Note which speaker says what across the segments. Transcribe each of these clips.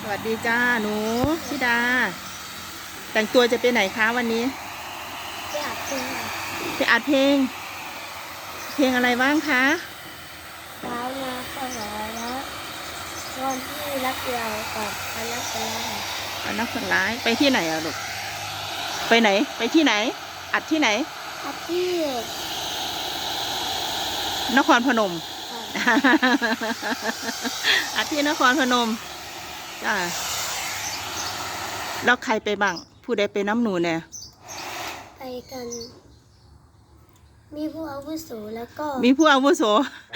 Speaker 1: วัสดีจ้าหนูชิดาแต่งตัวจะไปไหนคะวันนี้
Speaker 2: ไปอัดเพลง
Speaker 1: ไปอัดเพลงอะไรบ้างคะ
Speaker 2: เช้ามาก็หอแล้ววันที่รักเรากับอนักกลา
Speaker 1: อันนักฝันร้ายไปที่ไหนอะลูกไปไหนไปที่ไหนอัดที่ไหน
Speaker 2: อัดที่
Speaker 1: นครพนม อัดที่นครพนมจ้าแล้วใครไปบ้างผู้ใดไปน้ำหนูเนี่ย
Speaker 2: ไปกันมีผู้อาวุโสแล้วก็
Speaker 1: มีผู้อาวุโส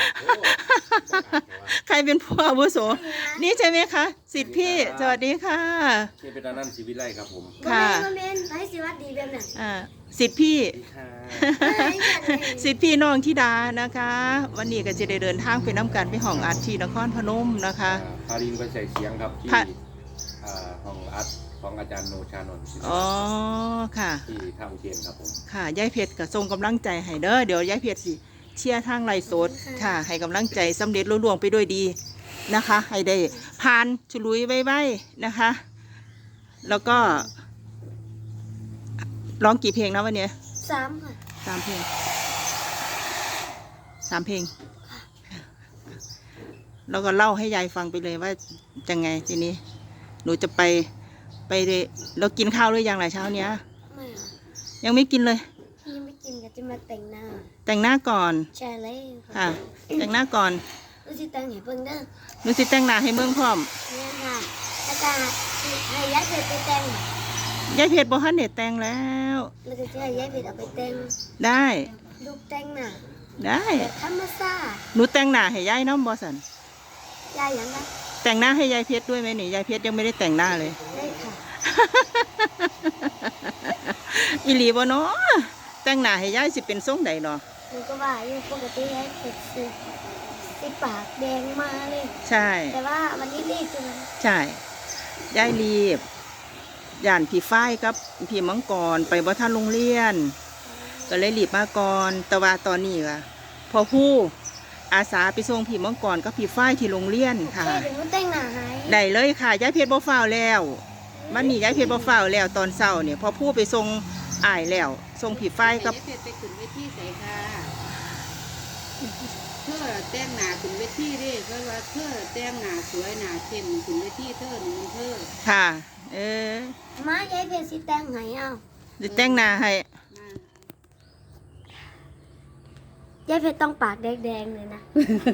Speaker 1: ใครเป็นผู้อาวุโสนี่ใช่ไหมคะสิทธิพี่สวัสดีค่ะ
Speaker 3: นี่เป็นนั่นชีวิตไรครับผม
Speaker 1: ค่ะ
Speaker 2: มาเมนไปสิวัดดีแบบนั้น
Speaker 1: สิทธิพี่ สิทธิพี่น้องธิดานะคะ วันนี้ก็จะได้เดินทางไปน้ำกันไปห้องอัดที่นครพนมนะคะ
Speaker 3: พารินไปใส่เสียงครับที่ห้องอัดของอาจารย์โนชานนท์
Speaker 1: อ๋อค่ะ
Speaker 3: ที่ท่าอุเทนครับผม
Speaker 1: ค่ะยายเพชรก็ส่งกำลังใจให้เด้อเดี๋ยวยายเพชรสิเชียร์ทางไลฟ์สดค่ะให้กำลังใจสำเร็จรุ่งเรืองไปด้วยดีนะคะให้ได้ผ่านฉลุยไว้นะคะ แล้วก็ร้องกี่เพลงนะวันนี้
Speaker 2: 3 ค่ะ
Speaker 1: 3 เพลง3 เพลงแล้วก็เล่าให้ยายฟังไปเลยว่าจะไงทีนี้หนูจะไปเรากินข้าวหรือยังหลายเช้าเนี้ย
Speaker 2: ไม่
Speaker 1: ยังไม่กินเลย
Speaker 2: ยังไม่กินก็จะมาแต่งห
Speaker 1: น้าก่อน
Speaker 2: ใช่เลย
Speaker 1: ค่ะแต่งหน้าก่อน
Speaker 2: หนูสิแต่งให้เพิ่งเด้อ
Speaker 1: หนูสิแต่งหน้าให้เมืองพร้อม
Speaker 2: เนี่ยค่ะอาจารย์ให้ยายเพชรไปแต่ง
Speaker 1: ยายเพชรบอกให้เน็ตแต่งแล้ว
Speaker 2: เราจะให้ยายเพชรเอาไปแต่ง
Speaker 1: ได้
Speaker 2: ลูกแต่งหน้า
Speaker 1: ได้
Speaker 2: ธรรมชาติ
Speaker 1: หนูแต่งหน้าให้ยายน้องบอสัน
Speaker 2: ยายยังไง
Speaker 1: แต่งหน้าให้ยายเพชรด้วยไหมนี่ยายเพชรยังไม่ได้แต่งหน้าเลย
Speaker 2: ได้ค่ะ
Speaker 1: อีหลีบ่เนาะแต่งหน้าให้ยายสิเป็นทรงใดเนาะ
Speaker 2: หนูก็ว่าอยู่ปกติยายเพชรสิปากแดงมาเลย
Speaker 1: ใช่
Speaker 2: แต่ว่าวันนี้รีบจัง
Speaker 1: ใช่ยายรีบย่านพี่ฝ้ายกับพี่มังกรไปบ่ทันโรงเรียนก็เลยรีบมาก่อนแต่ว่าตอนนี้ค่ะพอผู้อาสาไปส่งพี่มังกรกับพี่ฝ้ายที่โรงเรียนค่ะได้เลยค่ะยายเพชรบ่ฟ้าวแล้ววันนี้ยายเพชรบ่ฟ้าวแล้วตอนเช้าเนี่ยพอผู้ไปส่งอ้ายแล้วส่งพี่ฝ้ายกับ
Speaker 4: เพชรไปขึ้นเวทีใส่ค่ะเธอแต่งหน้าขึ้นเวทีดิเพราะว่าเธอแต่งหน้าสวยหน้าเข้มขึ้นเวทีเธอหนึ่งเธอ
Speaker 1: ค่ะ
Speaker 2: มายายเพชรสิแต่งให้เอา
Speaker 1: สิแต่งหน้าให้
Speaker 2: ยายเพชรต้องปากแดงๆเลยนะ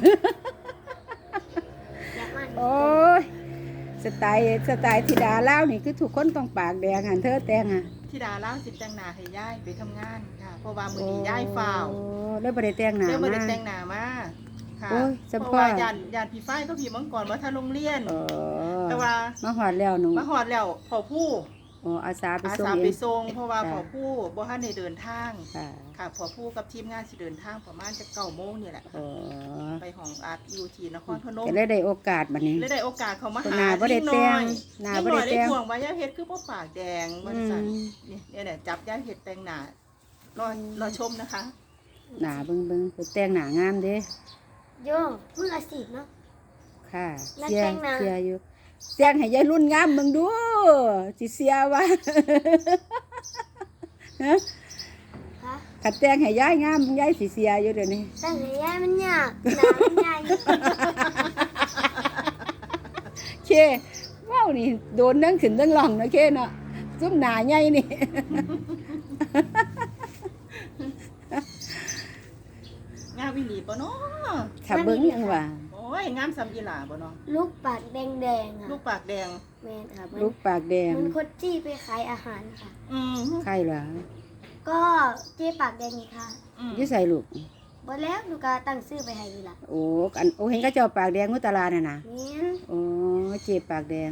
Speaker 4: โอ้ยสไตล์ธิดาเล่านี่คือทุกคนต้องปากแดงหันเธอแต่งอ่ะ
Speaker 1: ธิดาเล่าสิแต่งหน้าให้ยายไปทำงานค่ะเพราะว่ามื้อนี้ยายฟ้าว
Speaker 4: แล้วบ่ได้แต่งหน้า
Speaker 1: บ่ได้แต่งหน้ามาค่ะเพราะว่าย่านพี่ฝ้ายก็พี่มังกรว่าถ้าโรงเรียนแต่ว่า
Speaker 4: มาฮอดแล้วหนู
Speaker 1: มาฮอดแล้วพอผู้
Speaker 4: อาสาไป
Speaker 1: ส่งเพราะว่าพอผู้บ่ทันได้เดินทางค่ะพอผู้กับทีมงานสิเดินทางประมาณจะ9 โมงนี่แหละไปห้องอัดอยู่ที่นครพนม
Speaker 4: เลยได้โอกาสบัดนี้
Speaker 1: เลยได้โอกาสเขามาหาที่น้อยหน้าบ่ได้แต่งห่วงว่ายายเพชรคือบ่ปากแดงมันสั่นนี่เนี่ยจับยายเพชรแต่งหน้ารอชมนะคะ
Speaker 4: หน้าเบิ่งๆคือแต่งหน้างามเด้
Speaker 2: โยมืออาชีพเนาะ
Speaker 4: ค่ะเสียอยู่แจ้งให้ยายรุ่นงามมึงดูสิเสียวะฮะขัดแจ้งให้ยายงามมึงยายสิเสียอยู่เดี๋ยวนี้
Speaker 2: แต่งให้ยายมันยากหนามันใหญ่
Speaker 4: เคว้าวนี่โดนนั่งขึ้นนั่งหล่องนะเคเนาะซุ่มหนาใหญ่นี่
Speaker 1: งามวิลีบ่เนาะ
Speaker 4: ขับเบิ้งยังว่า
Speaker 1: โอ้ยงามซ้ำอีหล่าบ่เนาะ
Speaker 2: ลูกปากแดงๆอ่ะ
Speaker 1: ลูกปากแดง
Speaker 2: แม่ค่ะ
Speaker 4: ลูกปากแดง
Speaker 2: มันคดจี้ไปขายอาหารค่ะ
Speaker 4: ใครเหรอ
Speaker 2: ก็เจ๊ปากแดงนี่ค่ะ
Speaker 4: ยี่ใส่ลูก
Speaker 2: บ่แล้วหนูก็ตั้งชื่อไปให้ดีล่ะ
Speaker 4: โอ้เห็นก็เจ้าปากแดงมุตลาน่ะนะ
Speaker 2: นี่
Speaker 4: โอ้เจ๊ปากแดง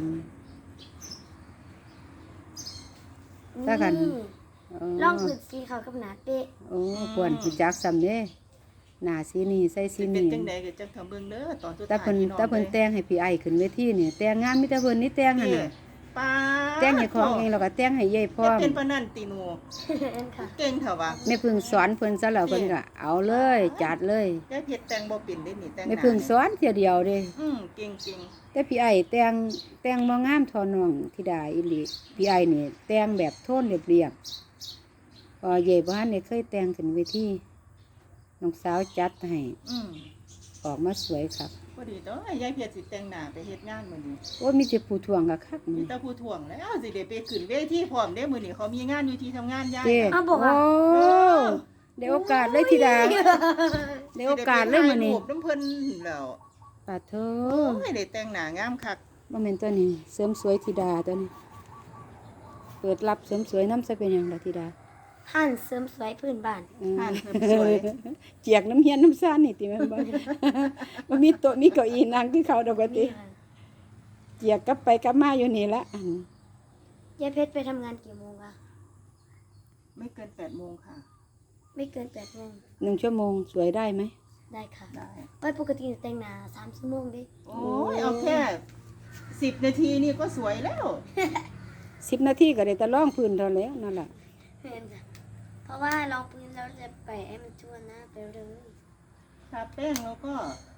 Speaker 2: ถ้ากันลองผืนสีเขากับหนาเป๊ะ
Speaker 4: โอ้ควรผู้จักซ้ำเด้หน้าสีนี่ใส่สีนี่
Speaker 1: เป็นจังได๋ก็จังทำเบิ่งเด้อตอนสุดท้าย
Speaker 4: แต่เพิ่นแต่งให้พี่ไอ้ขึ้นเวทีนี่แต่งงานมีแต่เพิ่นนี่แต่งหั่นน่ะ
Speaker 1: ป้า
Speaker 4: แต่งให้ของเองแล้วก็แต่งให้ยายพร้อม
Speaker 1: เป็นปานนั่นติหนู
Speaker 2: ค่ะ
Speaker 1: เก่งเถอะวะ
Speaker 4: แม่พึ่งสอนเพิ่นซะแล้วเพิ่นก็เอาเลยจัดเลย
Speaker 1: ยายเพชรแต่งบ่เป็นได้นี่แต่งห
Speaker 4: แม่
Speaker 1: น้า
Speaker 4: พึ่งสอนเที่ยเดียวเด้
Speaker 1: เก่งเก่ง
Speaker 4: แต่พี่ไอ้แต่งบ่งามเทอน้องธิดาอีหลีพี่ไอ้นี่แต่งแบบโทนเรียบๆพอเย่บ่ทันได้เคยแต่งขึ้นเวทีน้องสาวจัดให้ออกมาสวยครับ
Speaker 1: พอดีเด้อยายเพชรสิแต่งหน้าไปเฮ็ดงานมื้อนี้
Speaker 4: โอ้ยมีแต่ผู้ทวงก็คัก
Speaker 1: มี
Speaker 4: นี่
Speaker 1: แต่ผู้ถ่วงแล้วสิได้ไปขึ้นเวทีพร้อมเด้มื้อนี้เขามีงานอยู่ที่ทำงานยาย
Speaker 4: เด้
Speaker 1: น่ะ
Speaker 2: เอาบอกว่า
Speaker 4: โอ้ได้โอกาสเลยธิดาได้โอกาสเลยมื้อนี้
Speaker 1: สิได้ไปถ่ายรูปน้ำเพิ่นแล้ว
Speaker 4: ปาโธ
Speaker 1: โอ้ยได้แต่งหน้างามคัก
Speaker 4: บ่แม่นตัวนี้เสริมสวยธิดาตัวนี้ เปิดรับเสริมสวยน้ำซะเป็นหยังล่ะธิดา
Speaker 2: ท่านเสริมสวยพื้นบ้าน
Speaker 1: ผ่านเสริมสวย
Speaker 4: เจียกน้ำเฮียนน้ำซ่านนี่ติแม่นบ่ บ่มีโต๊ะมีเก้าอี้นั่งคือเขาดอกว่าติ เจียกกลับไปกลับมาอยู่นี่ละอัน
Speaker 2: ยายเพชรไปทำงานกี่โมงคะ
Speaker 1: ไม่เกิน8 โมงค่ะ
Speaker 2: ไม่เกิน8 โมง
Speaker 4: 1 ชั่วโมงสวยได้ไหม
Speaker 2: ได้ค่ะ
Speaker 1: ได้
Speaker 2: ไปปกติแต่งหน้า3 ชั่วโมงดิ
Speaker 1: โอ้ยเอาแค่10 นาทีนี่ก็สวยแล้ว
Speaker 4: 10 นาทีก็ได้แต่ร้องพื้นเท่าแล้วนั่นล่ะ
Speaker 2: เห็นค่ะเพราะว่าลองพื้นแล้วจะไปให้มันทั่วหน้าไปเลย
Speaker 1: ทาแป้งแล้วก็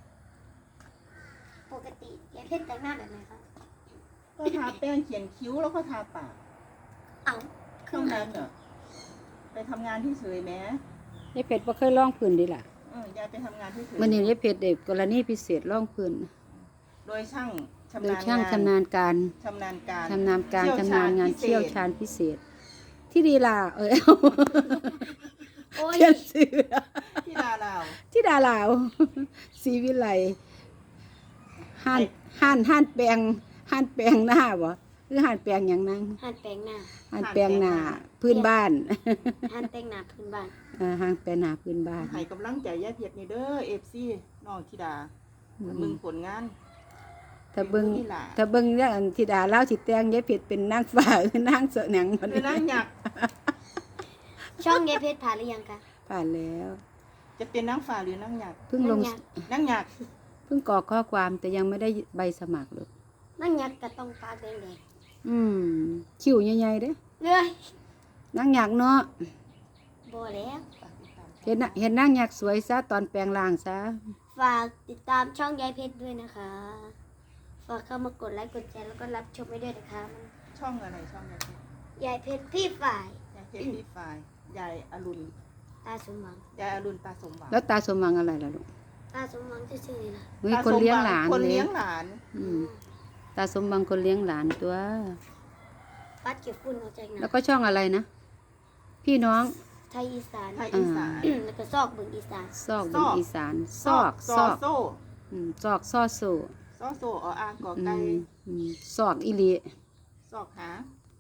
Speaker 2: ปกติยายเพชรแต่งหน้าแบบไหนคะ
Speaker 1: ก็ทาแป้งเขียนคิ้วแล้วก็ทาปาก
Speaker 2: เอาเค
Speaker 1: เท่า
Speaker 2: รื่องไหน
Speaker 1: นั้นเหรอไปทำงานที่เฉยแม้
Speaker 4: ยายเพชรบ่เคยร้องพื้นดิล่ะ
Speaker 1: ยายไปทำงานที่เฉย
Speaker 4: มื้อนี้ยายเพชรได้กรณีพิเศษร้องพื้น
Speaker 1: โดยช่างชำ
Speaker 4: โดย
Speaker 1: นาญ
Speaker 4: ช่าง
Speaker 1: งาน
Speaker 4: ชำนาญการ
Speaker 1: ชำนาญการ
Speaker 4: ชำนาญการชำนาญงาน
Speaker 1: พิ
Speaker 4: เชี่ยว
Speaker 1: ศษ
Speaker 4: ชาญพิเศษ ที่ดีล่ะเอา
Speaker 2: โอ้ย
Speaker 4: เขียนชื่อ
Speaker 1: ที่ดาลาว
Speaker 4: ที่ดาลาว ศรีวิไลห้านแปลงหน้าบ่หรือห้านแปลงหยังนั่ง
Speaker 2: หันแต่งหน้า
Speaker 4: ห้านแปลงหน้าพื้นบ้าน
Speaker 2: หันแต่งหน้าพื้นบ้าน
Speaker 4: ห้างแปลงหน้าพื้นบ้าน
Speaker 1: ให้กำลังใจยายเพชรนี่เด้อ FC น้องธิดามึงผลงาน
Speaker 4: ถ้าเบิ่ง
Speaker 1: นี่ล่ะ
Speaker 4: ถ้าเบิ่งเรื่องธิดาเล่าสิแต่งยายเพชรเป็นนางฟ้า หรือนางเสหนังบ่
Speaker 1: คือนั่งหยัก
Speaker 2: ช่องยายเพชรผ่านหรือยังคะ
Speaker 4: ผ่านแล้ว
Speaker 1: จะเป็นนั่งฝ่าหรือนั่งหยัก
Speaker 4: เพิ่งลง
Speaker 1: นั่งหยัก
Speaker 4: เพิ่งกรอกข้อความแต่ยังไม่ได้ใบสมัครเลย
Speaker 2: นั่งยักษ์ก็ต้องปากแดง
Speaker 4: คิวใหญ่ๆเด้
Speaker 2: ๆเลย
Speaker 4: นางอยากเนาะ
Speaker 2: บ่แล้ว
Speaker 4: เห็นนางอยากสวยซะตอนแปลงร่างซะ
Speaker 2: ฝากติดตามช่องยายเพชรด้วยนะคะ ฝากเข้ามากดไลค์กดแชร์แล้วก็รับชมไปด้วยนะคะ
Speaker 1: ช่องอะไรช่องยายเพชร
Speaker 2: ยายเพชรพี่ฝ่าย
Speaker 1: ยายเพชรพี่ฝ่ายยายอรุณ
Speaker 2: ตาสมหวัง
Speaker 1: ยายอรุณตาสมหวัง
Speaker 4: แล้วตาสมหวังอะไรล่ะลูก
Speaker 2: ตาสมหวังชื่อๆนี่นะ
Speaker 4: เฮ้ย
Speaker 1: ตา
Speaker 4: คนเลี้ยงหลาน
Speaker 1: คน
Speaker 4: เล
Speaker 1: เลี้
Speaker 4: ย
Speaker 1: ยงหลาน
Speaker 4: ตาสมหวังคนเลี้ยงหลานตัว
Speaker 2: ปัดเก็บฝุ่นออกจากห
Speaker 4: แล้ว
Speaker 2: น้า
Speaker 4: ก็ช่องอะไรนะ พี่น้อง
Speaker 2: ไทยอีสาน
Speaker 1: ไทยอีสาน
Speaker 2: แล้วก็ซอกบึงอีสาน
Speaker 4: ซอกบนอีสานซอก
Speaker 1: ซอโซ่
Speaker 4: ซอกซ่อโซ
Speaker 1: ซอโซ่ออ่างกอไก่
Speaker 4: ซอกอีหลี
Speaker 1: ซอกหา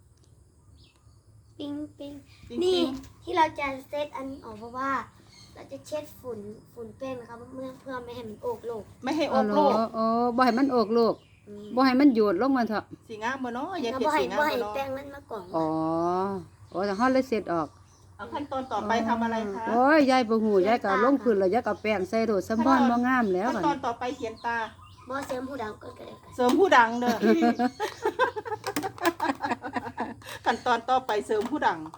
Speaker 2: ปิ้งปิ้ง
Speaker 1: จริงๆ
Speaker 2: นี่ที่เราจะเซตอันนี้ออกเพราะว่า เราจะเช็ดฝุ่นแป้งนะคะเพื่อไม่ให้มันโอกโลก
Speaker 1: ไม่ให้อ
Speaker 4: โอ้
Speaker 1: อก
Speaker 4: โห
Speaker 1: โลก
Speaker 4: โอ้บ่ให้มันโอกโลก
Speaker 2: อืม
Speaker 4: บ่ให้มันโยดลงมาเถอะ
Speaker 1: สีงามบ่เนาะยาย
Speaker 2: แล้ว
Speaker 1: เพช
Speaker 2: บ่
Speaker 1: ร
Speaker 2: ให้
Speaker 1: สีงาม
Speaker 2: บ่
Speaker 1: บ่
Speaker 2: ให้
Speaker 1: เนาะ
Speaker 2: แป้งมันมากล่อง
Speaker 4: อ๋อโอ้แต่ฮอดเลยเสร็จออก
Speaker 1: เอาขั้นตอนต่อไปทำอะไรคะ
Speaker 4: โอ้ยยายบ่ฮู้ยายก็เอาลงพื้นแล้วยายก็เอาแป้งใส่โดดสำพอนบ่งามแล้ว
Speaker 1: ขั้น
Speaker 4: บัด
Speaker 1: ตอนต่อไปเขียนตา
Speaker 2: บ่เสริมผู้ดาวก็ได้ค่ะ
Speaker 1: เสริมผู้ดังเด้อ ขั้นตอนต่อไปเสริมผู้ดัง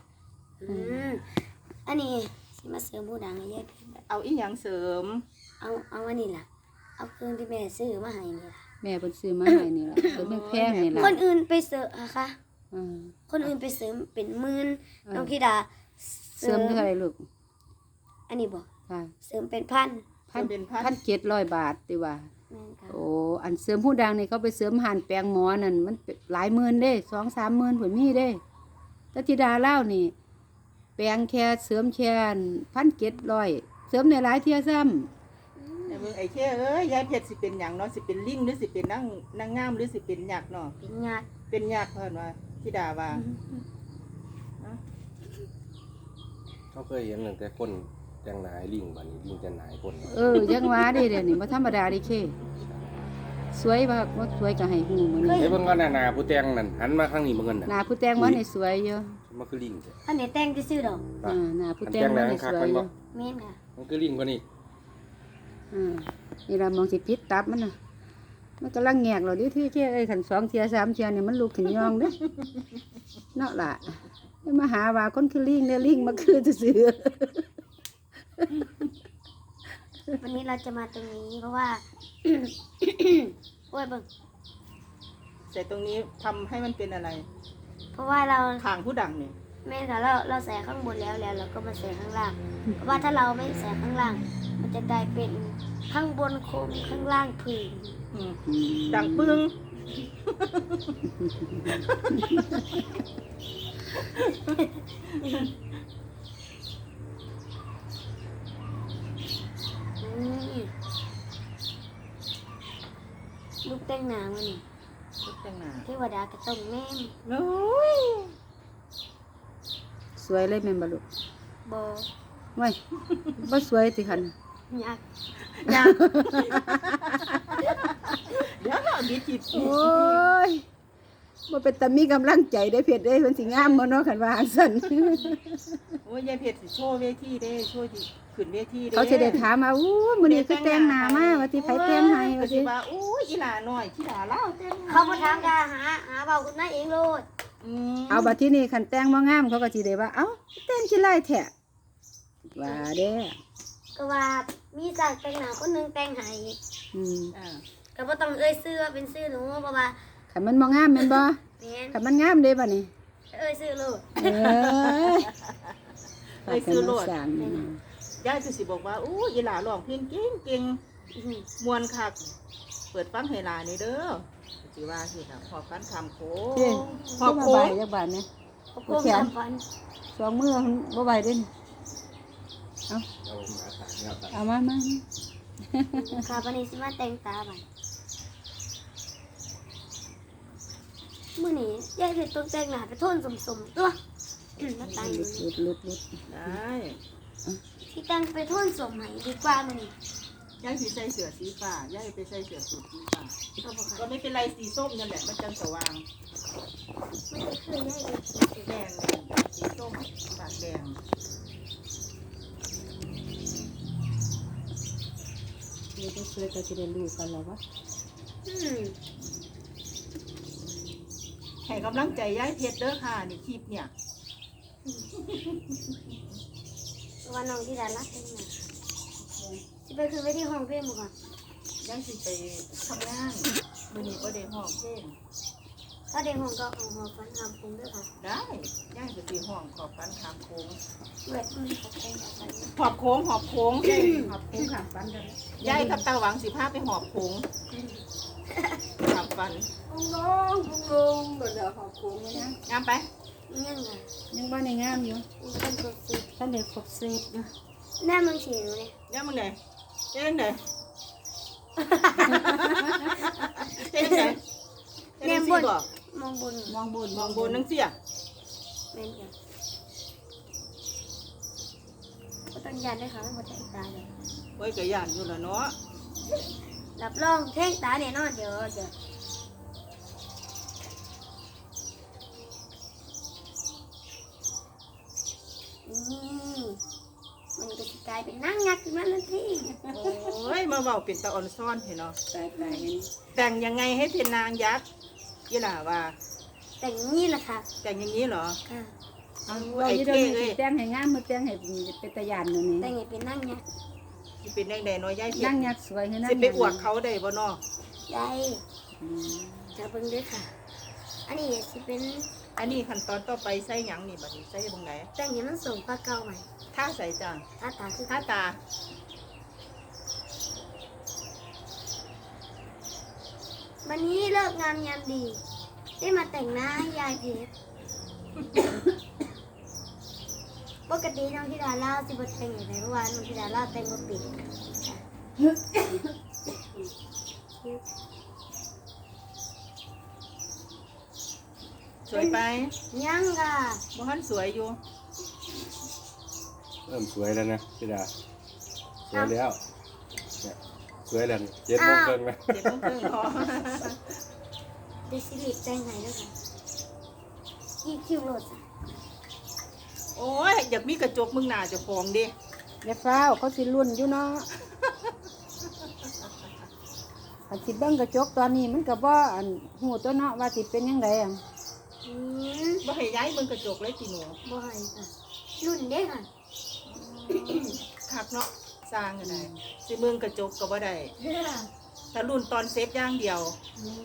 Speaker 2: อันนี้สิมาเสริมผู้ดังให้ยายเพชรแบบ
Speaker 1: เอาอีหยังเสริม
Speaker 2: เอาอันนี้ล่ะ เอาเครื่องที่แม่ซื้อมาให้นี่ล่ะ
Speaker 4: แม่เพิ่นซื้อมาให้นี่ล่ะตัวแพงๆนี่ล่ะ
Speaker 2: คนอื่นไปเสริมอะคะ
Speaker 4: อ่า
Speaker 2: คนอื่นไปเสริมเป็นหมื่น
Speaker 4: อ่า
Speaker 2: น้องธิดา
Speaker 4: เสริมเท่าไหร่ลูก
Speaker 2: อันนี้บ่
Speaker 4: ค่ะ
Speaker 2: เสริมเป็นพัน
Speaker 4: 1,700 บาทติว่า
Speaker 2: แม่นค่ะ
Speaker 4: โอ้อันเสริมผู้ดังนี่เขาไปเสริมหันแปลงหมอนั่นมันเป็นหลายหมื่นเด้ 2-3 หมื่นผลมีเด้แต่ธิดาเล่านี่ แปลงแค่เสริมแค่1,700เสริมในหลายเที่ยซ้ำ
Speaker 1: แต่เบิ่งไอ้แค่เอ้ยยายเพชรสิเป็นหยังเนาะสิเป็นลิงหรือสิเป็นนางงามหรือสิเป็นหยักษ์เนาะ
Speaker 2: เป็นญาติ
Speaker 1: เป็นหยักษ์เพิ่นว่าธิดาว่า
Speaker 3: เขาเคยเห็นตั้งแต่คนแต่งหนายลิงบัดนี้ลิงจะหนายคน
Speaker 4: ยังว่าเด้เดี๋ยวนี้บ่ธรรมดาเดิเคสวยบ่บ่สวยก็ให้ฮู้มื้อนี้
Speaker 3: เฮ้ยเบิ่งก่อนน่ะหน้าผู้แต่งนั่นหันมาข้างนี้เบิ่งกัน
Speaker 4: ห
Speaker 3: น่ะ
Speaker 4: น้าผู้แต่งบ่นี่สวยอยู่
Speaker 3: มันคือลิงจ้ะ
Speaker 2: อันนี้แต่งซื่อๆดอก
Speaker 4: หน้าผู้แต่งบ่นี่สวยอยู่
Speaker 2: แม่นค่ะ
Speaker 3: มันคือลิงกว่านี้
Speaker 4: นี่ล่ะมองสิผิดตับมันน่ะมันกำลังแงกเราดิที่เอ้ยขัน2 เที่ย 3 เที่ยเนี่ยมันลุกขึ้นยองเด้เนาะล่ะอย่ามาหาว่าคนคือลิงเนี่ยลิงมาคือซื่อ
Speaker 2: วันนี้เราจะมาตรงนี้เพราะว่า โอ้ยเบิ่ง
Speaker 1: ใส่ตรงนี้ทำให้มันเป็นอะไร
Speaker 2: เพราะว่าเรา
Speaker 1: ทางผู้ดังเนี่ย
Speaker 2: แม่ค่ะเราใส่ข้างบนแล้วเราก็มาใส่ข้างล่าง เพราะว่าถ้าเราไม่ใส่ข้างล่าง มันจะกลายเป็นข้างบนโคมข้างล่างผืน
Speaker 1: อืม
Speaker 4: ๆ
Speaker 1: ดังปึ้ง
Speaker 2: ลูกแต่งหนามันนี่
Speaker 1: ลูกแต่งหน้า
Speaker 2: เทวดากระต้องแม่ม
Speaker 1: โอ้ย
Speaker 4: สวยเลยแม่นบ่ลูก
Speaker 2: บอ
Speaker 4: ไว้บ่สวยสิคัน
Speaker 2: ยักษ์
Speaker 1: อยากเดี๋ยวเราบิดจิต
Speaker 4: โอ้ยบ่เป็นตามีกำลังใจได้เพชรเด้มันสิงามบ่เนาะคันว่าจังซั่น
Speaker 1: โอ้ยยายเพชรสิโชว์เวทีเด้โชว์ที่ขึ้นเวทีเด้
Speaker 4: เขาสิได้ถามว่าอู้มื้อนี้คือแต่งหน้ามาว่าสิไผแต่งให้
Speaker 1: ก็
Speaker 4: ว่า
Speaker 1: สิ
Speaker 4: สิ
Speaker 1: ว่าอู้ยอีหลาน้อยที่หลาเล่าแต่งหน้
Speaker 2: เขามาถามกาหาเบาคุณนายเองโลด
Speaker 1: อืม
Speaker 4: เอาบัดที่นี่คันแต่งบ่งามเขาก็สิได้ว่าเอ้าแต่งสิไล่แท้ว่าเด้
Speaker 2: ก็ว่ามีจากแต่งหนาคนหนึงแต่งให้
Speaker 4: อืม
Speaker 1: อ่า
Speaker 2: ก็บ่ต้องเอ่ยชื่อว่าเป็นชื่อหนูเพราะว่า
Speaker 4: คันมันบ่งามแม่นบ่
Speaker 2: แม่น
Speaker 4: คันมันงามเด้บัดนี้
Speaker 2: เอ่ยชื่อโลด
Speaker 4: เอ้ย
Speaker 1: ไปซื้อโลด
Speaker 4: ฝากให้มันสร้าง
Speaker 1: ยายก็สิบอกว่าอู้ยอีหลาร้องเพลงเก่ง
Speaker 2: อื้อหือ
Speaker 1: มวนคักเปิดฟังให้หลานี่เด้อสิว่าสิค่ะพอฟันคำโค้
Speaker 4: เด้
Speaker 1: งพ
Speaker 4: พ
Speaker 1: อ
Speaker 4: อ
Speaker 1: โค้
Speaker 4: โค้
Speaker 1: ง
Speaker 4: งจักบาทเนี่ย
Speaker 2: โอ้โหทำฟัน
Speaker 4: 2 มื้อบ่ไหวเด้นี่เอา
Speaker 3: เอามาตัดเนี่ยตัด
Speaker 4: เอามามา
Speaker 2: ค่ะวันนี้สิมาแต่งตาบัดมื้อนี้ยายเพชรต้องแต่งหน้าไปโทนสมๆตัวมาแต่ง
Speaker 4: หลุดหลุดหลุดหลุด
Speaker 1: ได้
Speaker 2: ที่แต่งไปโทนสมให้ดีกว่ามื้อนี้
Speaker 1: ยายสิใส่เสื้อสีฟ้ายายไปใส่เสื้อสูทสีฟ้า
Speaker 2: ก็บ่
Speaker 1: ก็
Speaker 2: ค่ะ
Speaker 1: ไม่เป็นไรสีส้มนั่นแหละมันจังสว่าง
Speaker 2: มันจะคือยายเพชร
Speaker 1: สีแดงสีส้มปากแดง
Speaker 4: เดี๋ยวจะช่วยก็จะได้รู้กันแล้วว่า
Speaker 2: อืม
Speaker 1: ให้กำลังใจยายเพชรเด้อค่ะนี่คลิปเนี่ย
Speaker 2: ว่าน้องที่ดารักแต่งหน้าสิไปคือไปที่ห้องเพลงบ่ค่ะ
Speaker 1: ยายสิไปทำงานมื้อนี้บ่ได้ห้องเพลง
Speaker 2: ถ้าเด็กห้องก็เอาหอฟันทำพุงด้วยค่ะ
Speaker 1: ได้ยายก็สิห้องขอบฟันขามโค้ง
Speaker 2: เวทมันเขาแต่งแบบนี้
Speaker 1: หอบโค้งหอบโค้งหอบโค้งขามฟันกันยายกับตาหวังสิพาไปหอบโค้งขามฟัน
Speaker 4: พุงลงบ่ได้ขอบคุงนะ
Speaker 1: งามไป
Speaker 2: ยังไง
Speaker 4: ยังบ่ได้งามอยู่
Speaker 2: มันเป็นตัวสี
Speaker 4: ท่านได้ครบเซตอยู่
Speaker 2: แม่มึงฉีดหนูเนี่ย
Speaker 1: เนี่ยมึงไหนเนี่ยมึงไหนเนี่ยมึงไหนเนี่ยมึงบอก
Speaker 2: มองบน
Speaker 4: มองบน
Speaker 1: มองบนนังเสีย
Speaker 2: แม่นจ้ะก็ต้องยันด้วยค่ะไม่หมดใจตาเลย
Speaker 1: ไว้กระยานอยู่แล้วเนาะ
Speaker 2: รับรองเท่งตาเนี่ยนอนเดี๋ยวมันก็จะกลายเป็นนั่งงักขึ้นมาทันที
Speaker 1: โอ้ยมาเบาเป็นตาอ่อนซ่อนเห็นเนาะ
Speaker 4: ตายเห็น
Speaker 1: แต่งยังไงให้เป็นนางยักษ์ยี่หล่าว่า
Speaker 2: แต่งนี่แหละค่ะ
Speaker 1: แต่งอย่างนี้เหรอ
Speaker 2: ค่ะ
Speaker 1: เอา
Speaker 4: ว่า
Speaker 1: ไอ้
Speaker 4: อยู่
Speaker 1: เท่
Speaker 4: เดี๋ยว
Speaker 1: เล
Speaker 4: นี้
Speaker 1: ย
Speaker 4: สิแต่งให้งามมือแต่งให้เป็นตาย่านนู่นนี่
Speaker 2: แต่งให้เป็นนั่งยักษ์
Speaker 1: สิเป็นแดงแดงน้อยย่ายเพีย
Speaker 4: นั่งยักษ์สวยให้นั่ง
Speaker 1: สิไปอวดเขาได้บ่เนาะ
Speaker 2: ได้
Speaker 4: อืม
Speaker 2: จะเบิ่งด้วยค่ะ อันนี้สิเป็น
Speaker 1: อันนี้ขั้นตอนต่อไปใส่หยังนี่บัดนี้ใส่ตรงไหน
Speaker 2: แต่งให้มันสูงกว่าเก่าใหม่
Speaker 1: ท่าใส่จัง
Speaker 2: ถ้าตาคือ
Speaker 1: ท่าตา
Speaker 2: วันนี้เลิกงามยามดี ได้มาแต่งหน้าให้ยายเพชร ปกติน้องธิดาเล่าสิบแต่งอย่างไรเมื่อวานน้องธิดาเล่าแต่งบ่ปิด
Speaker 1: สวยไป
Speaker 2: ยังค่ะ
Speaker 1: บ่ทันสวยอยู่
Speaker 3: เริ่มสวยแล้วนะพี่ดาสวยแล้วเนี่ยสวยแล้ว7:30แล้ว
Speaker 1: เจ็บเพิ่งพอ
Speaker 2: เดซิลิแต่งไหนด้วยค่ะอีคิวโรดจ้ะ
Speaker 1: โอ้ยอยากมีกระจกมึงหน้าเจ้าของดิ
Speaker 4: อย่าฟ้าวเขาสิรุ่นอยู่เนาะพอันสิเบิ่งกระจกตอนนี้มันก็บ่อันฮู้ตัวเนาะว่าสิเป็นจังไดอ่ะ
Speaker 2: อืม
Speaker 1: บ่ให้ย้ายมึงกระจกเลยติหนู
Speaker 2: บ่ให้ค่ะรุ่นเด้ค่ะ
Speaker 1: คักเนาะสร้างก็ได้สิมึงกระจกก็บ่ได้แต่รุ่นตอนเซฟอย่างเดียว
Speaker 2: นี่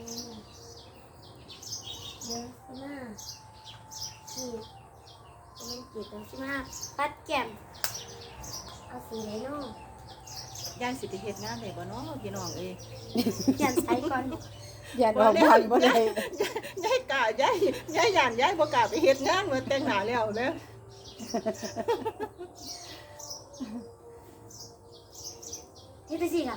Speaker 2: เยอะมากขีดเป็นขีดตรงที่มาปัดแก้มเอาสีไหนเนาะ
Speaker 1: ย้ายสิไปเฮ็ดงานได้บ่เนาะพี่น้องเอ้ย
Speaker 2: เขียนใส่ก่อน
Speaker 4: อย่าออกบ้านบ่ได้
Speaker 1: ย้ายกะย้ายย่านย้ายบ่กล้าไปเฮ็ดงานว่าแต่งหน้าแล้วเด้อ
Speaker 2: นี่ไปสิค่ะ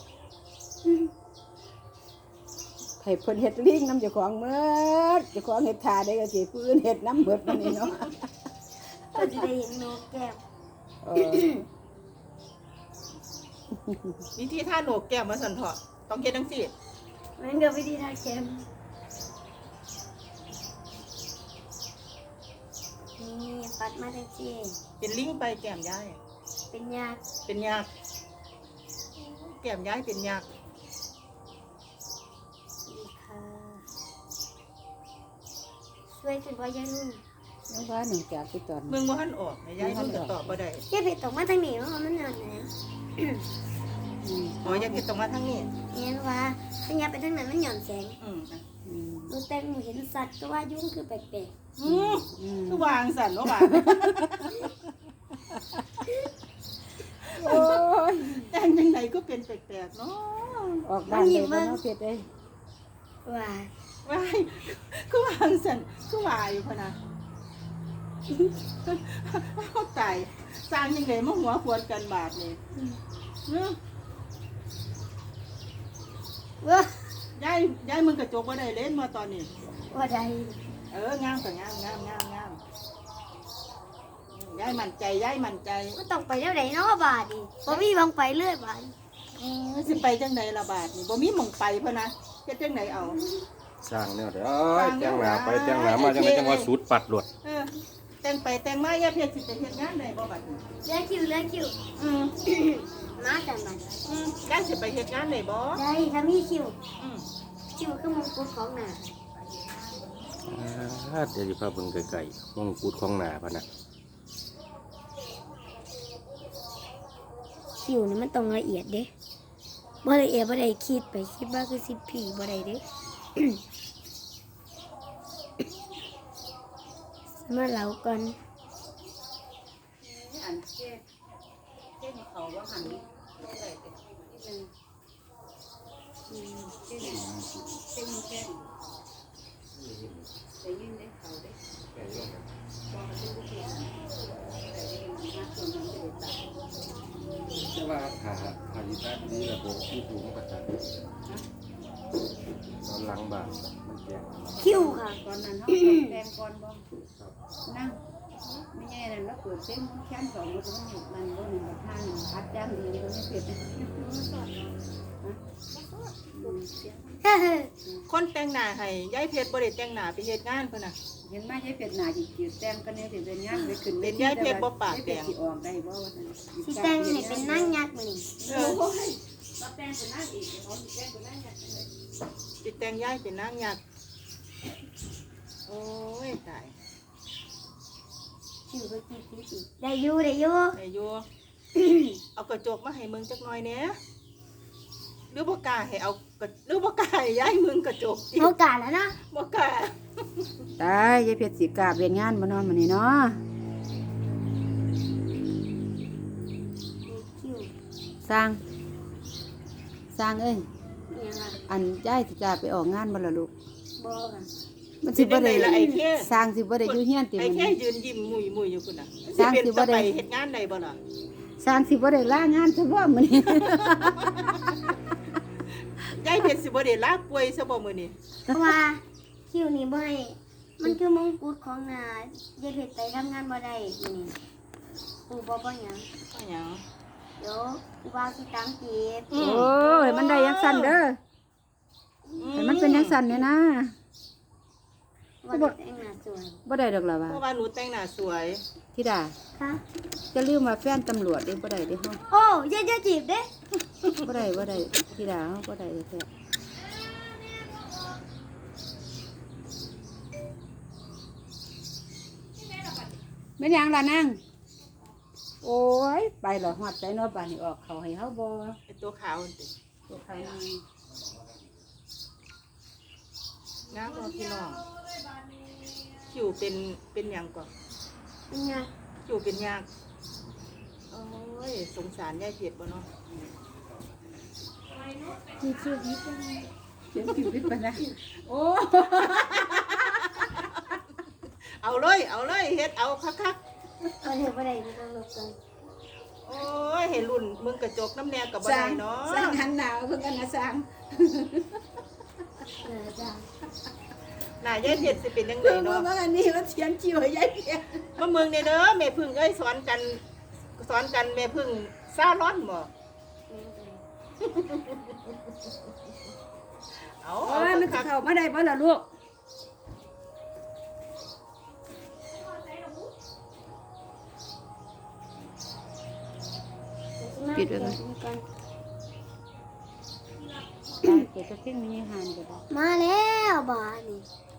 Speaker 4: ให้เพิ่นเฮ็ดลิงน้ำเจ้าของเมิดเจ้าของเฮ็ดท่าได้ก็สิผู้อื่นเฮ็ดน้ำเบิดมันนี่เนาะ
Speaker 2: ก็จะได้เห็นโนกแก้ม
Speaker 4: เออ
Speaker 1: วิธีท่าโหนกแก้มมาสั่นเถาะต้องเฮ็ดจังซี่
Speaker 2: มันก็วิธีทาแก้มนี่ปัดมาทังที
Speaker 1: เป็นลิงไปแก้มย้าย
Speaker 2: เป็นยาก
Speaker 1: เป็นยักษ์แก้มย้ายเป็นยักษ์
Speaker 2: ดีค่ะช่วยถึงว่ายังนุ่น
Speaker 4: แล้วว่าหนึ่งจากที่ตอน
Speaker 1: มึงบ่ทันออกย้ายมึงก็ตอบบ่ได้
Speaker 2: แค่เผ็ดตกมาทางนี้เพราะมันหนอนนะ
Speaker 1: อ๋ออย่าเฮ็ดตรงมาทางนี้
Speaker 2: เห็นว่าถ้ายับไปทางนั้นมันหย่อนแสง
Speaker 1: อืม
Speaker 4: อืม
Speaker 2: หนูแต่งหนูเห็นสัตว์ก็ว่ายุ่งคือแปลก
Speaker 1: อืม
Speaker 4: อืม
Speaker 1: คือวางสั่นเนาะว่า
Speaker 4: โอ้ย
Speaker 1: แต่งจังไดก็เป็นแปลกๆเนาะ
Speaker 4: ออกบ้านเลยบ่เนาะเพชรเอ้ย
Speaker 2: ๆว่า
Speaker 1: ว้ายคือวางสั่นคือว่าอยู่พะนะเอาตายสร้างจังไดมาหัวขวดกันบาดนี่เนาะ
Speaker 2: ว่า
Speaker 1: ย้ายมึงกระจกบ่ได้เล่นมาตอนนี้
Speaker 2: ว่าใด
Speaker 1: งามก็งามย้ายมั่นใจย้ายมั่นใจ
Speaker 2: มันต้องไปเท่าไหร่เนาะบาทดิบ่มีบางไปเรื่อยบาท
Speaker 1: สิไปจังไดละบาดนี่บ่มีหม่องไปพะนะเฮ็ดจังไดเอา
Speaker 3: สร้างแนวเด้อแต่งหน้าไปแต่งหน้ามาจังไดจังว่าสูตรปัดโลด
Speaker 1: เออแต่งไปแต่งมาอย่าเพียรสิไปเฮ็ดงานได้บ่บัดนี้
Speaker 2: เลือคิวเลือคิว
Speaker 1: อืม
Speaker 2: มาจังบัด
Speaker 1: ย้ายสิไปเฮ็ดงานได้บ่
Speaker 2: ได้ถ้ามีคิว
Speaker 1: อืม
Speaker 2: คิวคือมงกุฎของหน้า
Speaker 3: เดี๋ยวสิพาเบิ่งไกลๆมงกุฎของหน้าพะนะ
Speaker 2: คิวนี่มันต้องละเอียดเด้บ่ละเอียดบ่ได้คิดไปคิดว่าคือสิผีบ่ได้เด้ มาเล่าก่อน
Speaker 4: อันเจ๊เขาว่าหันนี่ได้แต่ที่นึงเจ๊เจ๊มีแค่ได้ยินได้เขาได้บอกให้ผู้เขียนแต่ยังมาส่วนนั้นจะได้ตัด
Speaker 3: แต่ว่าถ้าสิตัดนี่ระบบที่ถูกมันก็ตัดตอนหลังบ้านมันแก่
Speaker 2: คิวค่ะ
Speaker 4: ตอนนั้นเขาแดงก่อนบ่นั่งไม่แย่นั่นแล้วเปิดเส้นมันแค้นสองมันก็มันบ่หนึ่งกับท่าหนึ่งพัดจ้างเองก็ไม่เสร็จ
Speaker 1: คนแต่งหน้าให้ย้ายเพชรบ่ได้แต่งหน้าไปเฮ็ดงานเพิ่นน่ะ
Speaker 4: เห็นไหมยายเป็ดหนาจิจืดแต้มก็เนี่ยจะเป็นงานไปขึ้น
Speaker 1: เป็นยายเป็ดบ่ปากแดง
Speaker 4: สิออกได้บ่ว่าซั่น
Speaker 2: สิแต่งให้เป็นนางยักษ์มื้อนี้
Speaker 1: เออ
Speaker 4: มาแต่งเป็นนางอีกเขาสิแต่งเป็นนางอย่างไร
Speaker 1: สิแต่งย้ายเป็นนางยักษ์โอ้ยตาย
Speaker 2: คิวก็คิดอีกได้อยู่ได้อยู่
Speaker 1: ได้อยู่ เอากระจกมาให้มึงจักหน่อยแหน่หรือบ่กล้าให้เอาหรือบ่กล้าให้ย้ายมึงกระจกอีก
Speaker 2: โอกาสแล้วนะ
Speaker 1: บ่กล้า
Speaker 4: ตายยายเป็ดสิกราบเรียนงานบ่นอนมื้อนี้เนาะ
Speaker 2: คิว
Speaker 4: สร้างเอ้ย
Speaker 2: ยังอ่ะ
Speaker 4: อันยายสิกราบไปออกงานบ่ล่ะลูก
Speaker 2: บ่ค่ะ
Speaker 4: มันสิบ่ได้
Speaker 1: ละไอ้แค่
Speaker 4: สร้างสิบ่ได้อยู่เฮียนติ
Speaker 1: ไอ้
Speaker 4: มื้อ
Speaker 1: แค่
Speaker 4: นี้
Speaker 1: ยืนยิ้มมุยอยู่พุ่นน่ะ
Speaker 4: สร้างสิบ่ได้
Speaker 1: ไปเฮ็ดงานได้บ่ล่ะ
Speaker 4: สร้างสิบ่ได้ลางานซะบ่มื้อนี้
Speaker 1: ยายเพชรสิบ่ได้ลาป่วยซะบ่มื้อนี้
Speaker 2: เพราะว่าคิวนี่บ่ให้มันคือมงกุฎของนายยายเพชรไปทำงานบ่ได้มื้อนี้ปู่บ่หยัง
Speaker 1: ว่าหยัง
Speaker 2: เดี๋ยวกูว่าสิตังจีบ
Speaker 1: อืม
Speaker 4: โอ้ยมันได้จังซั่นเด้อให้มันเป็นจังซั่นเนี่ยนะ
Speaker 2: ว่าจะแต่งหน้าสวย
Speaker 4: บ่ได้ดอกล่ะว่า
Speaker 1: เพราะว่าหนูแต่งหน้าสวย
Speaker 4: ธิดา
Speaker 2: ค่ะ
Speaker 4: จะลืมว่าแฟนตำรวจเด้บ่ได้เด้เฮา
Speaker 2: โอ้ยายจะจีบเด้
Speaker 4: บ่ได้ธิดาเฮาบ่ได้แท้แม่นหยังล่ะนางโอ้ยไปเหรอฮอดใจเนาะบ้านนี้ออกเขาให้เฮาบ่
Speaker 1: ไอ้ตัวขาวนั่นติ
Speaker 4: ตัวเขานาง
Speaker 1: น้ำรอพี่น้องคิวเป็นหยังก่อน
Speaker 2: เป็นไง
Speaker 1: คิวเป็นยากโอ้ยสงสารยายเพียรบ่เนาะ
Speaker 2: มีชีวิตเป็นไง
Speaker 4: เขียนผิวพิษปานนะโอ้
Speaker 1: เอาเลยเฮ็ดเอาคัก
Speaker 2: เอาเดี๋ยวไปไหนไม่ต้องหลบกัน
Speaker 1: ๆโอ้ยเห็นรุ่นมึงกระจกน้ำแนวกับบ่
Speaker 4: สร้า
Speaker 1: ได้
Speaker 4: ง
Speaker 1: เนาะ
Speaker 4: สร้างหันหนาวเพิ่นกันนะสร้าง
Speaker 2: จ้า
Speaker 1: น่ายายเพียรสิเป็นจังได
Speaker 4: เพิ่น
Speaker 1: เนาะ
Speaker 4: ว่าอันนี้มันเขียนจิ๋วให้ยายเพียร
Speaker 1: มาเมืองเนี่ยเด้อแม่พึ่งเอ้ยสอนกันแม่พึ่งซาร้อนบ่เอา
Speaker 4: โอ้ยมันจะเข้ามาได้บ่ล่ะลูก
Speaker 2: ปิดไว้ก่อน
Speaker 4: เปิดตะเพ่งมีหานก็ได้
Speaker 2: มาแล้วบ้านนี่